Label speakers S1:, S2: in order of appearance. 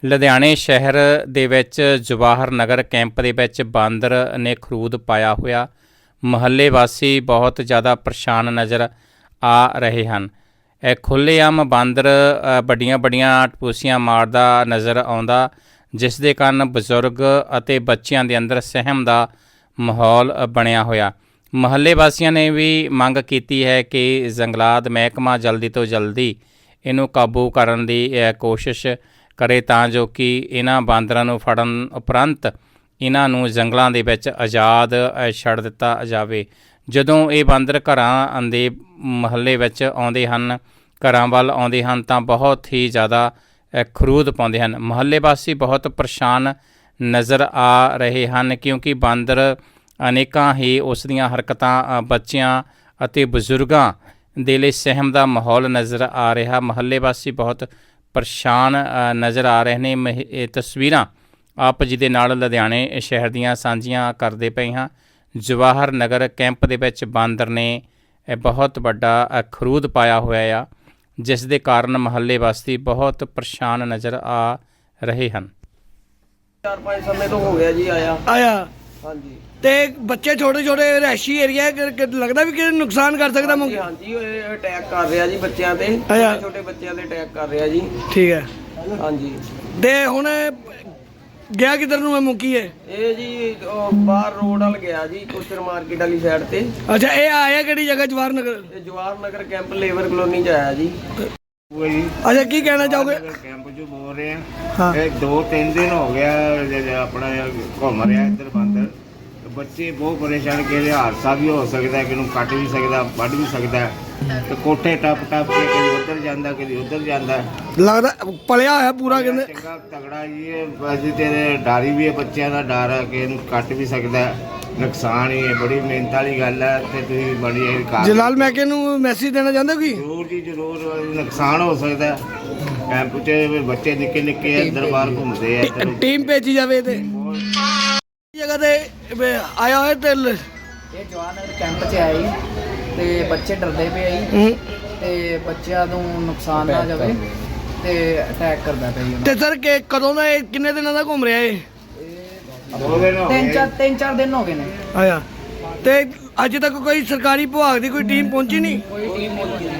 S1: ਲੁਧਿਆਣੇ ਸ਼ਹਿਰ ਦੇ ਵਿੱਚ ਜਵਾਹਰ ਨਗਰ ਕੈਂਪ ਦੇ ਵਿੱਚ ਬਾਂਦਰ ਨੇ ਖਰੂਦ ਪਾਇਆ ਹੋਇਆ। ਮੁਹੱਲੇ ਵਾਸੀ ਬਹੁਤ ਜ਼ਿਆਦਾ ਪਰੇਸ਼ਾਨ ਨਜ਼ਰ ਆ ਰਹੇ ਹਨ। ਇਹ ਖੁੱਲ੍ਹੇਆਮ ਬਾਂਦਰ ਵੱਡੀਆਂ ਵੱਡੀਆਂ ਟਪੂਸੀਆਂ ਮਾਰਦਾ ਨਜ਼ਰ ਆਉਂਦਾ, ਜਿਸ ਦੇ ਕਾਰਨ ਬਜ਼ੁਰਗ ਅਤੇ ਬੱਚਿਆਂ ਦੇ ਅੰਦਰ ਸਹਿਮ ਦਾ ਮਾਹੌਲ ਬਣਿਆ ਹੋਇਆ। ਮੁਹੱਲੇ ਵਾਸੀਆਂ ਨੇ ਵੀ ਮੰਗ ਕੀਤੀ ਹੈ ਕਿ ਜੰਗਲਾਤ ਮਹਿਕਮਾ ਜਲਦੀ ਤੋਂ ਜਲਦੀ ਇਹਨੂੰ ਕਾਬੂ ਕਰਨ ਦੀ ਕੋਸ਼ਿਸ਼ ਕਰੇ ਤਾਂ ਜੋ ਕਿ ਇਹਨਾਂ ਬਾਂਦਰਾਂ ਨੂੰ ਫੜਨ ਉਪਰੰਤ ਇਹਨਾਂ ਨੂੰ ਜੰਗਲਾਂ ਦੇ ਵਿੱਚ ਆਜ਼ਾਦ ਛੱਡ ਦਿੱਤਾ ਜਾਵੇ। ਜਦੋਂ ਇਹ ਬਾਂਦਰ ਘਰਾਂ ਦੇ ਮੁਹੱਲੇ ਵਿੱਚ ਆਉਂਦੇ ਹਨ, ਘਰਾਂ ਵੱਲ ਆਉਂਦੇ ਹਨ ਤਾਂ ਬਹੁਤ ਹੀ ਜ਼ਿਆਦਾ ਖਰੂਦ ਪਾਉਂਦੇ ਹਨ। ਮੁਹੱਲੇ ਵਾਸੀ ਬਹੁਤ ਪਰੇਸ਼ਾਨ ਨਜ਼ਰ ਆ ਰਹੇ ਹਨ ਕਿਉਂਕਿ ਬਾਂਦਰ ਅਨੇਕਾਂ ਹੀ ਉਸ ਦੀਆਂ ਹਰਕਤਾਂ ਬੱਚਿਆਂ ਅਤੇ ਬਜ਼ੁਰਗਾਂ ਦੇ ਲਈ ਸਹਿਮ ਦਾ ਮਾਹੌਲ ਨਜ਼ਰ ਆ ਰਿਹਾ। ਮੁਹੱਲੇ ਵਾਸੀ ਬਹੁਤ ਪਰੇਸ਼ਾਨ ਨਜ਼ਰ ਆ ਰਹੇ ਨੇ। ਇਹ ਤਸਵੀਰਾਂ ਆਪ ਜੀ ਦੇ ਨਾਲ ਲੁਧਿਆਣੇ ਸ਼ਹਿਰ ਦੀਆਂ ਸਾਂਝੀਆਂ ਕਰਦੇ ਪਏ ਹਾਂ। ਜਵਾਹਰ ਨਗਰ ਕੈਂਪ ਦੇ ਵਿੱਚ ਬਾਂਦਰ ਨੇ ਬਹੁਤ ਵੱਡਾ ਖਰੂਦ ਪਾਇਆ ਹੋਇਆ ਆ, ਜਿਸ ਦੇ ਕਾਰਨ ਮੁਹੱਲੇ ਵਾਸੀ ਬਹੁਤ ਪਰੇਸ਼ਾਨ ਨਜ਼ਰ ਆ ਰਹੇ ਹਨ।
S2: 4-5 ਸਮੇਂ ਤੋਂ ਹੋ ਗਿਆ ਜੀ ਆਇਆ ਹਾਂਜੀ।
S3: ਤੇ ਬੱਚੇ ਛੋਟੇ ਛੋਟੇ ਰਹਿਸ਼ੀ ਏਰੀਆ ਲੱਗਦਾ ਵੀ ਕਿ ਨੁਕਸਾਨ ਕਰ ਸਕਦਾ
S2: ਹਾਂਜੀ ਹਾਂਜੀ, ਇਹ ਅਟੈਕ ਕਰ ਰਿਹਾ ਜੀ ਬੱਚਿਆਂ ਤੇ, ਛੋਟੇ ਬੱਚਿਆਂ ਤੇ ਅਟੈਕ ਕਰ ਰਿਹਾ ਜੀ।
S3: ਠੀਕ ਹੈ
S2: ਹਾਂਜੀ।
S3: ਤੇ ਹੁਣ ਗਿਆ ਕਿੱਧਰ ਨੂੰ ਇਹ ਮੁੱਕੀ ਹੈ?
S2: ਇਹ ਜੀ ਬਾਹਰ ਰੋਡ ਵੱਲ ਗਿਆ ਜੀ, ਕੁਸ਼ਰ ਮਾਰਕੀਟ ਵਾਲੀ ਸਾਈਡ ਤੇ।
S3: ਅੱਛਾ, ਇਹ ਆਇਆ ਕਿਹੜੀ ਜਗ੍ਹਾ? ਜਵਾਹਰ ਨਗਰ।
S2: ਇਹ Jawahar Nagar camp labour colony ਚ ਆਇਆ ਜੀ।
S3: ਅੱਛਾ, ਕੀ ਕਹਿਣਾ ਚਾਹੋਗੇ?
S4: ਕੈਂਪ ਚ ਬੋਲ ਰਹੇ ਆ, ਇਹ 2-3 ਦਿਨ ਹੋ ਗਿਆ ਆਪਣਾ ਘੁੰਮ ਰਿਹਾ ਇੱਧਰ ਬਾਂਦਰ। ਬੱਚੇ ਬਹੁਤ ਪਰੇਸ਼ਾਨ, ਕਿ ਹਾਦਸਾ ਵੀ ਹੋ ਸਕਦਾ, ਕਿ ਨੂੰ ਕੱਟ ਵੀ ਸਕਦਾ, ਵੱਢ ਵੀ ਸਕਦਾ। ਤੇ ਕੋਠੇ ਟੱਪ ਕੇ ਕਦੀ ਉੱਧਰ ਜਾਂਦਾ, ਕਦੀ ਉੱਧਰ ਜਾਂਦਾ।
S3: ਲੱਗਦਾ ਪਲਿਆ ਹੋਇਆ ਪੂਰਾ, ਕਹਿੰਦੇ
S4: ਚੰਗਾ ਤਗੜਾ ਜੀ। ਇਹ ਅਸੀਂ ਤੇ ਡਾਰੀ ਵੀ ਹੈ, ਬੱਚਿਆਂ ਦਾ ਡਰ ਹੈ ਕਿ ਇਹਨੂੰ ਕੱਟ ਵੀ ਸਕਦਾ, ਨੁਕਸਾਨ ਹੀ ਹੈ। ਬੜੀ ਮਿਹਨਤ ਵਾਲੀ ਗੱਲ ਹੈ। ਤੇ ਤੁਸੀਂ ਬੜੀ
S3: ਜਲਾਲ ਮੈਕੇ ਨੂੰ ਮੈਸੇਜ ਦੇਣਾ ਚਾਹੁੰਦੇ ਹੋ? ਕਿ
S4: ਜ਼ਰੂਰ ਜੀ ਜ਼ਰੂਰ, ਨੁਕਸਾਨ ਹੋ ਸਕਦਾ। ਕੈਂਪ 'ਚ ਬੱਚੇ ਨਿੱਕੇ ਨਿੱਕੇ ਅੰਦਰ ਬਾਹਰ ਘੁੰਮਦੇ ਆ।
S3: ਟੀਮ ਭੇਜੀ ਜਾਵੇ ਤੇ ਜਗ੍ਹਾ ਤੇ ਆਇਆ ਹੋਇਆ ਤੇ
S5: ਇਹ ਜਵਾਹਰ ਨਗਰ ਕੈਂਪ 'ਚ ਆਇਆ ਜੀ ਤੇ ਬੱਚੇ ਡਰਦੇ ਪਏ ਜੀ ਤੇ ਬੱਚਿਆਂ ਨੂੰ ਨੁਕਸਾਨ ਨਾ ਜਾਵੇ ਤੇ ਅਟੈਕ ਕਰਦਾ ਪਿਆ ਜੀ।
S3: ਤੇ ਸਰ ਕਦੋਂ ਦਾ ਕਿੰਨੇ ਦਿਨਾਂ ਦਾ ਘੁੰਮ ਰਿਹਾ ਇਹ?
S5: 3-4 ਦਿਨ ਹੋ ਗਏ ਨੇ।
S3: ਆਇਆ ਤੇ ਅੱਜ ਤੱਕ ਕੋਈ ਸਰਕਾਰੀ ਵਿਭਾਗ ਦੀ ਕੋਈ ਟੀਮ ਪਹੁੰਚੀ ਨਹੀਂ?
S5: ਕੋਈ ਟੀਮ ਨਹੀਂ